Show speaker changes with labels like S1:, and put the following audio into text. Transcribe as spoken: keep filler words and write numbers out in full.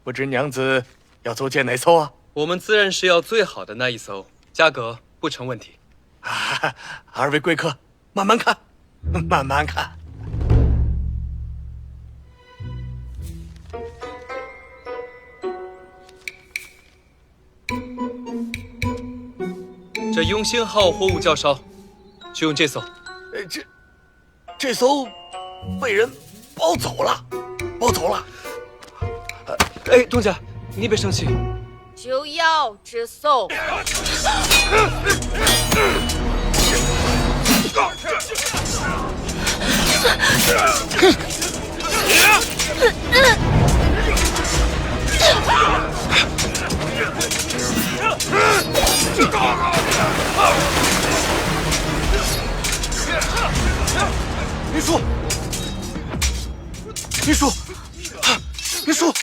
S1: 不知娘子要租借哪艘啊？
S2: 我们自然是要最好的那一艘，价格不成问题。
S1: 啊，二位贵客，慢慢看，慢慢看。
S2: 这永兴号货物较少，就用这艘。
S1: 呃，这这艘被人包走了，包走了。
S2: 哎，东家，你别生气。
S3: 就要这艘。
S1: 林叔，林叔，林叔。